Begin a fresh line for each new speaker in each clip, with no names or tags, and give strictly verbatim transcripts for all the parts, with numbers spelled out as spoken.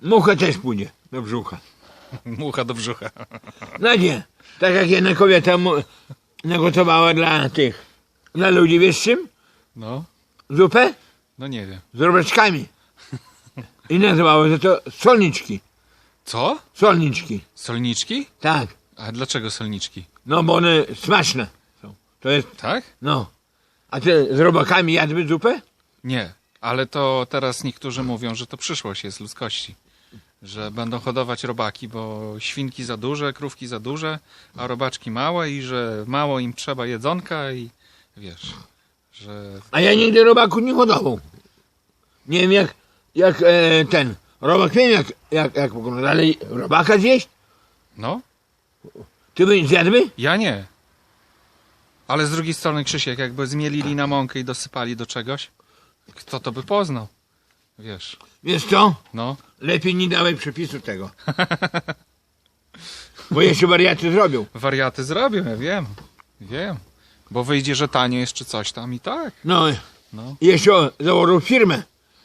Mucha też pójdzie do brzucha.
Mucha do brzucha.
No nie, tak jak jedna kobieta mu nagotowała dla tych, dla ludzi, wiesz czym?
No,
Zupę
no nie wiem.
z robaczkami. I nazywało się to solniczki.
Co?
Solniczki,
Solniczki?
tak.
A dlaczego solniczki?
No bo one smaczne są. To jest,
Tak?
no. A ty z robakami jadłby zupę?
Nie, ale to teraz niektórzy mówią, że to przyszłość jest ludzkości. Że będą hodować robaki, bo świnki za duże, krówki za duże, a robaczki małe i że mało im trzeba jedzonka i wiesz, że...
A ja nigdy robaku nie hodował. Nie wiem jak, jak e, ten, robak wiem jak, jak, jak pokonać, ale robaka zjeść?
No,
Ty byś zjadłby?
ja nie. Ale z drugiej strony, Krzysiek, jakby zmielili na mąkę i dosypali do czegoś, kto to by poznał? Wiesz,
Wiesz co?
no.
Lepiej nie dawaj przepisu tego. Bo jeszcze wariaty zrobią.
Wariaty zrobią, ja wiem. Wiem. Bo wyjdzie, że tanio jeszcze coś tam i tak.
No
No,
i jeszcze założą firmę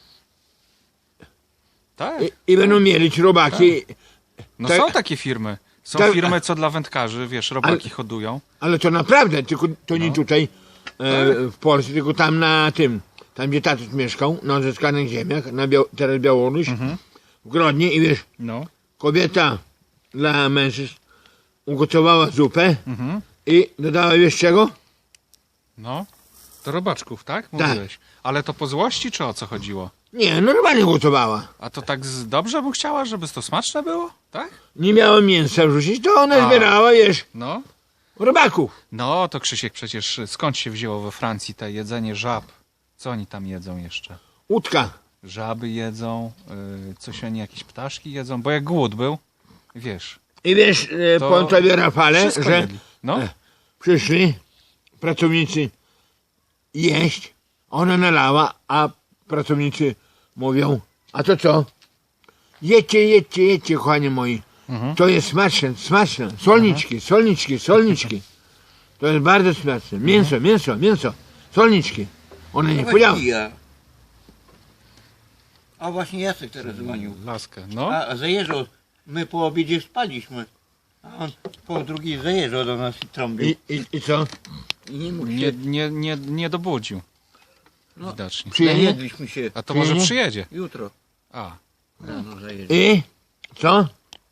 tak.
i, i będą mielić robaki.
No
tak-
są takie firmy. Są
tak-
firmy, co dla wędkarzy, wiesz, robaki hodują.
Ale to naprawdę, tylko to nie
No.
tutaj e, w Polsce, tylko tam na tym, tam gdzie tatuś mieszkał, na odzyskanych ziemiach, na Biał teraz Białoruś, w Grodnie i wiesz,
No.
kobieta dla mężczyzn ugotowała zupę
Mhm.
i dodała wiesz czego?
No. Do robaczków, tak? Mówiłeś. Ale to po złości, czy o co chodziło?
Nie, normalnie gotowała.
A to tak z... dobrze by chciała, żeby to smaczne było? Tak?
Nie miała mięsa wrzucić, to ona
A.
zbierała, wiesz,
No.
robaków.
No, to Krzysiek przecież skąd się wzięło we Francji te jedzenie żab? Co oni tam jedzą jeszcze?
Łódka.
Żaby jedzą, yy, coś oni jakieś ptaszki jedzą, bo jak głód był, wiesz,
I wiesz, e,
To
powiem tobie Rafale,
wszystko
że
jedli. No,
e, przyszli pracownicy jeść, ona nalała, a pracownicy mówią, a to co? Jedźcie, jedźcie, jedźcie, kochani moi.
Mhm.
To jest smaczne, smaczne. Solniczki, solniczki, solniczki. To jest bardzo smaczne. Mięso, mięso, mięso, solniczki. Ona nie powiedziała.
Ja. A właśnie Jacek teraz dzwonił.
laskę, no.
A, a zajeżdżał, my po obiedzie spaliśmy. A on po drugiej zajeżdżał do nas i trąbił.
I, i, i co?
I nie mógł
Nie,
się...
nie, nie, nie dobudził.
No.
Widocznie.
Przyjedzie?
Najedliśmy się
A to może
Przyjedzie?
przyjedzie.
jutro.
A,
Rano zajeżdżał.
I co?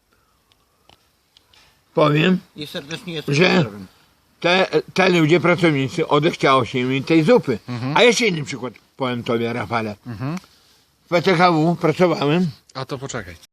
Powiem,
I serdecznie jestem
Że-
pozdrawiam.
te, te ludzie, pracownicy, odechciało się im tej zupy. A jeszcze inny przykład powiem tobie, Rafale.
Mhm.
W P T K W pracowałem.
a to poczekaj.